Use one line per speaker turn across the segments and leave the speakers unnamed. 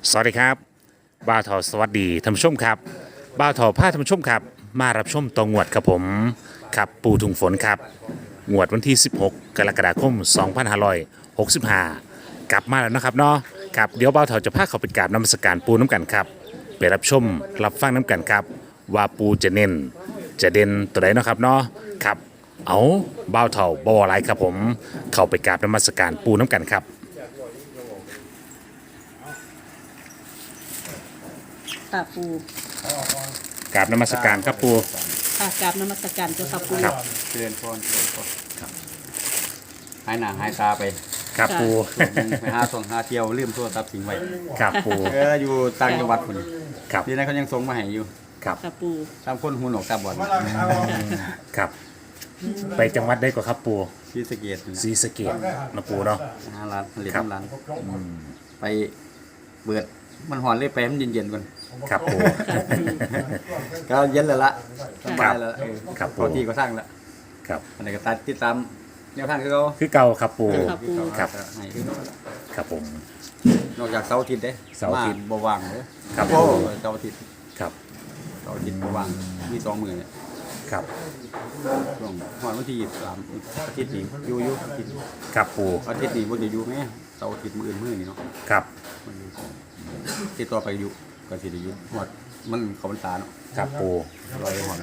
สวัสดีครับบ้าวทอสวัสดีท่านผู้ชมครับบ้าวทอพาท่านผู้ชมครับมารับชมตองวดครับผมครับปูถุงฝนครับงวดวันที่ 16 กรกฎาคม 2565 กลับมาแล้วนะครับเนาะครับเดี๋ยวบ้าวทอจะพาเขาไปกราบนมัสการปูน้ำกันครับไปรับชมรับฟังน้ำกันครับว่าปูจะเน้นจะเด่นตัวไหนเนาะครับเนาะครับเอาบ้าวทอบอไรครับผมเข้าไปกราบนมัสการปูน้ำกันครับ
ค่ะปู
กราบนมัสการครับปู
ค่ะกราบนมัสการเจ้าค่ะปู
ครับ
เจริญพรเจริญพรหายหน้าหายตาไป
ครับปู
ไปหาส่งหาเที่ยวลืมโทรศัพท์ทิ้งไว้
ครับปู
อยู่ต่างจังหวัดคน
ครับ
ทีนั้นเขายังส่งมาให้อยู่
ครับ
ค่ะปู
ตามคนหูหนวกตาบอด
ครับไปจังหวัดได้ก็ครับปู
ที่สะเกต
ศรีสะเกษนะปูเนาะ
หาร้านเหรียญ
ครับ
ร้านไปเปิดมันหอนเลยไปให้มันเย็นๆก่อน
ครับปู
ก็เย็นแล้วละสบายแล้ว
ครับผม
พอที่ก็สร้างแล้ว
ครับ
อันนี้ก็ตัดติดตามแนวทางคือเขา
คือเก่าครับปู
ครับ
ครับ
ให้คือเขา
ครับผม
นอกจากเสาร์อาทิตย์เด้
เสาร์อาทิตย์
บ่ว่างเด้
ครับ
โอ้เสาร์อาทิตย์
ครับ
เสาร์อาทิตย์บ่ว่างมี2 มื้อเนี่ย
ครับ
ช่วงวันที่23อาทิตย์นี้อยู่อาทิตย์
ครับปู
อาทิตย์นี้บ่ได้อยู่แม่เสาร์อาทิตย์มื้ออื่นมื้อนี้เนาะ
ครับ
มันอยู่ติดต่อไปอยู่ก็สิได้อยู่ฮอดมันเข้าพรรษาเนาะ
ครับปู
รอยฮอด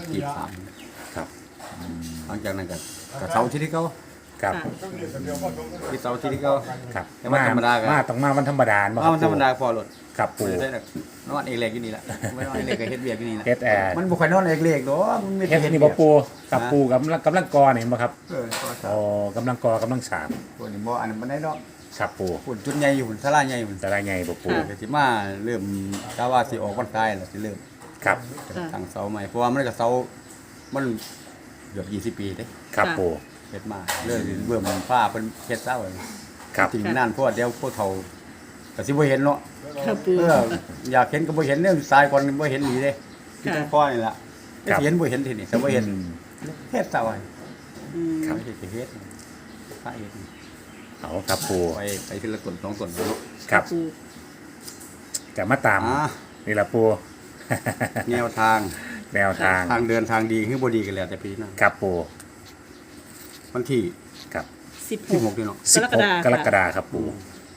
23
ครับ
หลังจากนั้นก็เสาร์อาทิตย์ที่เขา
ครับ
ที่เสาร์อาทิตย์ที่เขา
ครับ
แต่ว่าธรรมดาก็
มาต้องมาวันธรรมดาบ่
เอามันธรรมดาพอรถ
ครับปู
ได้ดอกนอนเอกเล็กอยู่นี่แหละไม่นอนเอกเล็กก็เฮ็ดเวียกอยู่นี่แหละ
เฮ็ดแอร์
มันบ่ค่อยนอนเอกเล็กดอกมันไม่
เฮ็ด
เฮ็ด
นี่
เวี
บ่
ยก
ปูกับปูกำลังกอนี่เห็นบ่ครับ
ก็ครั
อ๋
บ
อกำลังกำลังฉาบ
พวกนี้บ่อันนั้นบ่ได้ดอก
ครับปู
ฝุ่นจุดใหญ่อยู่ฝุ่นศาลาใหญ่ฝุ่น
จะได้ไงบ่ปู
ก็สิมาเริ่มกะว่าสิออกวันคล้ายแล้วสิเริ่ม
ครับ
ตั้งเสาใหม่เพราะว่ามันก็เสามันเกือบ20 ปีเด้
ครับปู
เฮ็ดมาเลยเบิ่มฟ้าเพิ่นเฮ็ดเสาไว้
ครับ
ถึงนานเพราะว่าเดี๋ยวพวกเขาก็สิบ่เห็นเนาะ
ค่ะปู
อยากเห็นก็บ่เห็นเรื่องตายก่อนบ่เห็นหนีเด้ที่ต้องคอยนี่ล่ะ
ครับ
สิเห็นบ่เห็นทีนี่แต่บ่เห็นเฮ็ดเสาไว้
อืม
ครับเฮ็ดก็เฮ็ดพระเฮ็ด
เอาครับปู
ไปทีละต้น2ต้นเนาะ
ครับ
ปู
จะมาตาม
อ่า
นี่ละปู
แนวทาง
แนวทาง
ทางเดินทางดีคือบ่ดีกันแล้วแต่ปีหน้า
ครับปู
วันที่
ครับ
16นี่เนาะ
16กรกฎาคมครับปู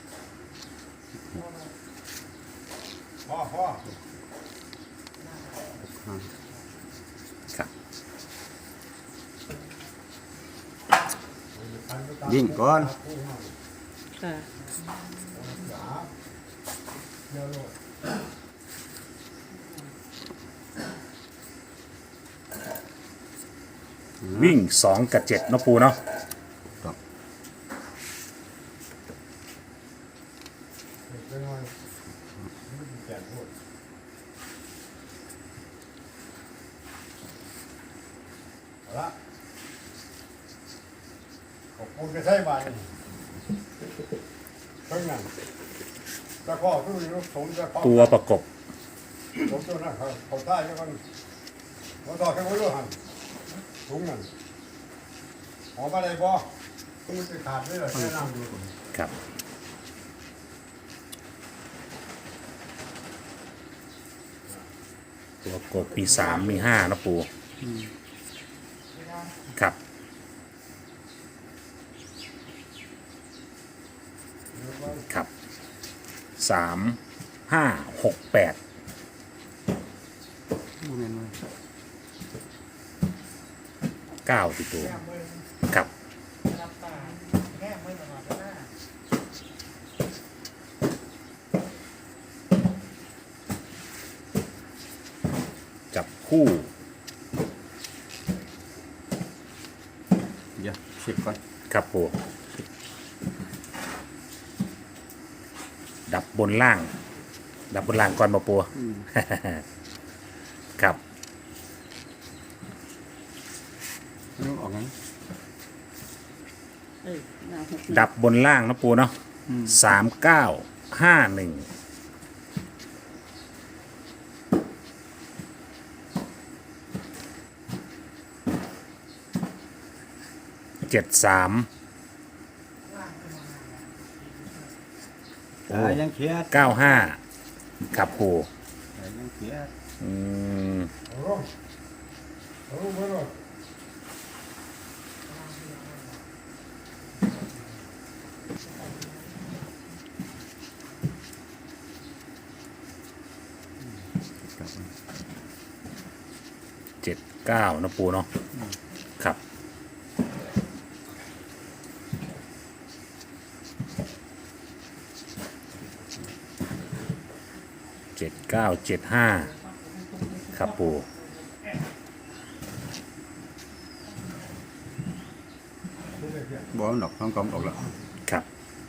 ครับ
ยิ่งก่อน
ค่ะ
วิ่ง2กับ7เนาะปูเนาะ
ครับ
ขอบคุณกระใช้บาททั้งนั้นตะข้อคือสมจะ
ตัวประกบ
สมตัวนั้นเขาท่ายแล้วกันเขาต่อแค่ไว้ด้วยหันถุงนั่นหอมอะไรบ่ต้องมันจะขาดด้วยเหรอแค่นั่งดู
ครับ ตัวประกบมี3มี5เนาะปูครับครับ3 5 6 8
บ่แม่นว่า
9ติดตัวครับจับคู่
เดี๋ยวเช็คก่อน
ครับปูดับบนล่าง ดับบนล่างก่อนมาปู ครับ
นึกออกงั้น
หน้าหก
ดับบนล่างนะปูเนาะ3951 73
ยังเครียด
95 ครับปู
ใส่ยังเสีย
อืม
เอาลงเอาลงไปเลย
79นะปูเนาะครับ7975ครับปู
บ่มันดอกต้องกำออกแล้ว
ครับ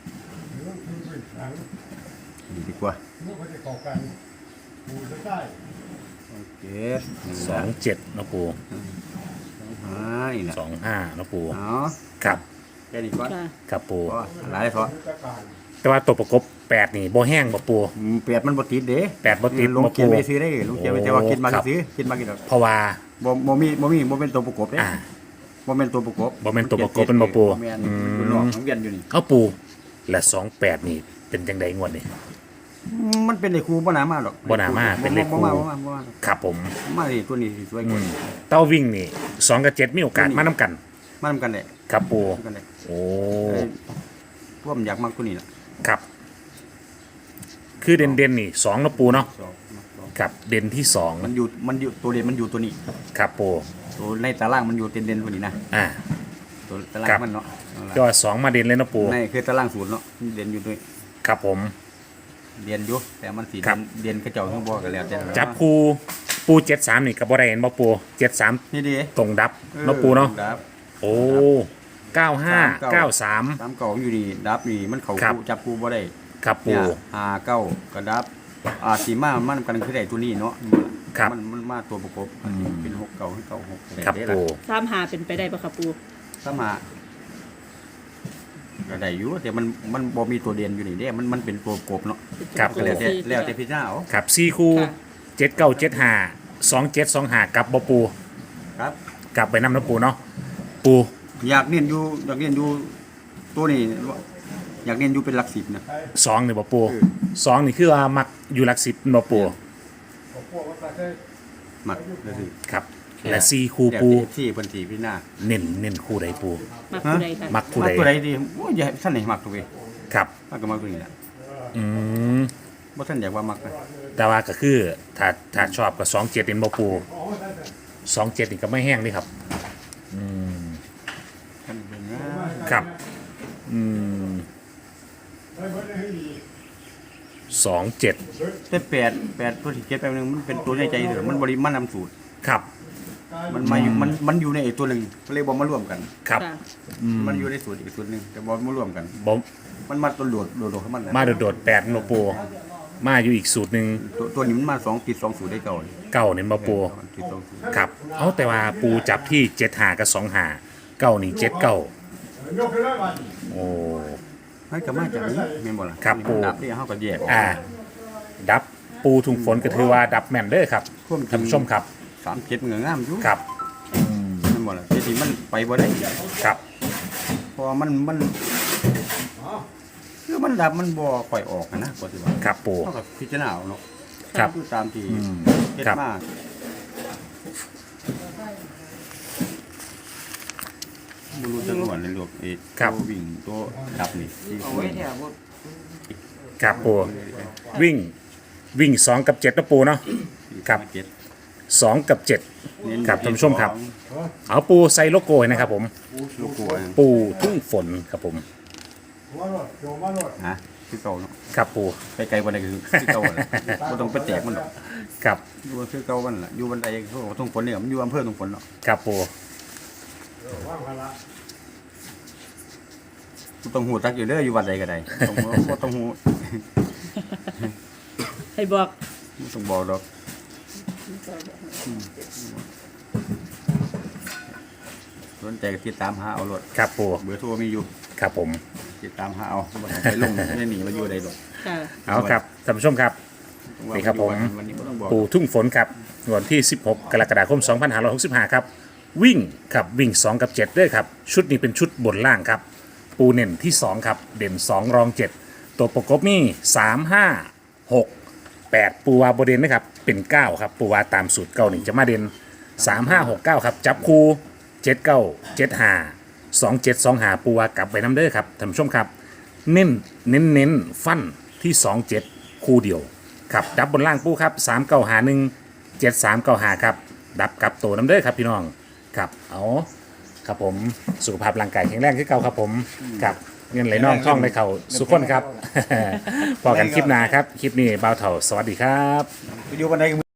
ดีดีกว่า
ลูกเขาจะเกาะกันปูจะได้
โอเค
27นะปู
หายนะ
25นะปู
เอา
ครับ
แค่นี้ก่อน
ค่ะ
ครับปู
ก็หลายพอ
จะการ
แต่ว่าตัวประกบ8นี่บ่แห้งบ่ปู
เปียดมันบ่ติดเด้
8บ่ติด
ลง
บ่
เกีย
ปู
ร์ไปซื้อได้ลงเกียร์ไปแต่ว่ากินมา
ครับ
ซื้อกินมากินดอก
เพราะว่า
บ่เป็นตัวประกบเด้
อ่า
บ่เป็นตัวประกบ
บ่แม่นตัวประกบเป็นบ่ปู
แม่น
อืม
เป็นหลอกของเวียนอยู่นี่
เอาปูและ28นี่เป็นจังไดงวดนี่
มันเป็นไอ้ครูบ่น่ามาหรอก
บ่น่ามาเป็นเลขครู
บ่มา
ครับผม
มาดิตัวนี้สิสวยกว่า
เต้าวิ่งนี่2กับ7มีโอกาสมานํกัน
มาทำกันแหละ
ครับปู
ทำกันแหละ
โอ้
พวกมันอยากมากตัวนี้ล่ะ
ครับ คือเด่นๆนี่2นะปูเนาะ
สองมาสอง
ครับเด่นที่
มันอยู่ตัวเด่นมันอยู่ตัวนี้
2ครับปู
ตัวในตารางมันอยู่เด่นๆตัวนี้นะ
อ่า
ตัวตาราง
ครับ
มันเนาะเอาล่ะ
ก็2มาเด่นเลยนะปู
ในคือตารางศูนย์เนาะเด่นอยู่ด้วย
ครับผม
เด่นอยู่แต่มันสี
ครับ
เด่นกระเจ้าทั้งบ่กันแล้วแต่ละ
จับคูปู73นี่ก็บ่ได้เห็นบ่ปู73
นี่ดิ
ตรงดับเนาะปูเนาะ
ดับ
โอ้95 93
สามเก่าอยู่นี่ดับนี่มันเขา
ครับ
จับกูบ่ได้
ครับปู
เนี่ย59กระดับสีมามันกันคือได้ตัวนี้เนาะ
ครับ
มันมาตัวประกบอันนี้เป็น6เก่าให้เก่า6
ครับปู
3 หาเป็นไปได้ปะครับปู
ถ้ามาก็ได้อยู่แต่มันบ่มีตัวเด่นอยู่นี่เด้มันเป็นตัวประกบเนาะ
ครับ
ก็แล้วแต่พิจารณาเอา
ครับ4คู่7975 2725กลับบ่ปู
ครับ
กลับไปนำนะปูเนาะปู
อยากเรียนอยู่ตัวนี้อยากเรียนอยู่เป็นหลัก10นะ
2นี่บ่ปู
เออ
2นี่คือว่ามักอยู่หลัก10บ่ปู
เอาพวกมาใส่
มักเลยสิ
ครับและ4คู่
แล้ว
ปู
แต่ที่เพิ่นสิพิจารณา
เน้นคู่ใดปู
มักผู้ใดค่ะ
มักคู่
มัก
ใด
ตัวใดดีโอ้ยอย่าให้ท่านไหนมักตัวเว้ย
ครับ
มักก็มักตัวนี้แหละ
อืม
บ่ท่านอยากว่ามักนะ
แต่ว่าก็คือถ้าชอบก็27นี่บ่ปู27นี่ก็ไม่แห้งนี่ครับ
ท่านเป็นนะครับ
อืม
ได้เบิดได้ให้ดี
27
แต่8ตัวที่เก็บไปนึงมันเป็นตัวในใจเด้อมันบ่ได้มันนำสูตร
ครับ
มันมาอยู่มันอยู่ในไอ้ตัวหนึงก็เลยบ่มารวมกัน
ครับ
ค่ะ
มันอยู่ในสูตรอีกสูตรหนึงแต่บ่มารวมกัน
บ่
มันมาตัวโดดของมันนะ
มาโดดๆ8บ่ปูมาอยู่อีกสูตรหนึง
ตัวนี้มันมา2ติด2สูตรได้เก่าเลย
เก้านี่บ่ปู
ติด2สูตร
ครับเอาแต่ว่าปูจับที่75กับ25เก้านี่79
ยกขึ้นเลยวัน
โอ้
ให้ก็มาจากนี้แม่นบ่ล่ะ
ครับปู่
ดับนี่เฮาก็แยกออก
ดับปูถุงฝนก็ถือว่าดับแม่นเด้อครับ
ความจริง
ท่านผู้ชมครับ
37มันก็งามอยู่
ครับ
แม่นบ่ล่ะแต่ที่มันไปบ่ได้
ครับ
เพราะว่ามันคือมันดับมันบ่ค่อยออกนะก็สิว่า
ครับปู
เฮาก็พิจารณาเอาเนาะ
ครับ
คือตามที่เฮ็ด
ครับ
มาบ่รู้จักว่าในโลกไอ้ตัววิ่งตัวดับนี่ที่เอาไว้แท้บ่
ครับปูวิ่ง2กับ7นะปูเนาะ ครับ 2กับ7ครับท่านผู้ชมครับ เอาปูใส่โลโก้ให้นะครับผม
ลูกกลัว
ปูทุ่งฝนครับผม
หัวรถโยมมารถ
ฮะคือเก่าเนาะ
ครับปู
ไปไกลบ่ได้คือเก่าแหละบ่ต้องไปแตกมันหรอก
ครับ
อยู่คือเก่ามันล่ะอยู่บันไดเขาบอกว่าทุ่งฝนเนี่ยมันอยู่อำเภอทุ่งฝนเนาะ
ครับปู
ว่างพละ
ต้องหูจักอยู่เด้ออยู่วัดใดก็ได้ต้องบ่ต้องหู
ให้บอก
บ่ต้องบอกดอกสนใจก็ติดตามหาเอารถ
ครับปู
เบอร์โทรมีอยู่
ครับผม
ติดตามหาเอาบ่ต้องไปลงไม่หนีมาอยู่ใดดอก
ค่ะ
เอาครับท่านผู้ชมครับ นี่ครับผม
วันนี้บ่ต้องบอก
ปูทุ่งฝนครับวันที่ 16 กรกฎาคม 2565 ครับ วิ่งครับวิ่ง 2 กับ 7ด้วยครับ ชุดนี้เป็นชุดบนล่างครับ ปูเน่นที่ 2 ครับ เด่น 2 รอง 7 ตัวประกบมี3 5 6 8ปูวาโบเดนนะครับเป็น9ครับปูวาตามสูตรเก้าหนึ่งจะมาเด่น3569ครับจับคู่79752725ปูวากลับไปน้ำเด้อครับท่านผู้ชมครับเน้นฟันที่27คู่เดียวครับดับบนล่างปูครับ39517395ครับดับกับตัวน้ำเด้อครับพี่น้องครับเอาครับผมสุขภาพร่างกายแข็งแรงขึ้นเก่าครับผมครับเงินไหลน่องท่องไหลเข่าสุขคนครับ พอกันคลิปหน้าครับคลิปนี้บ่าวเถ่าสวัสดีครับ
อยู่บันได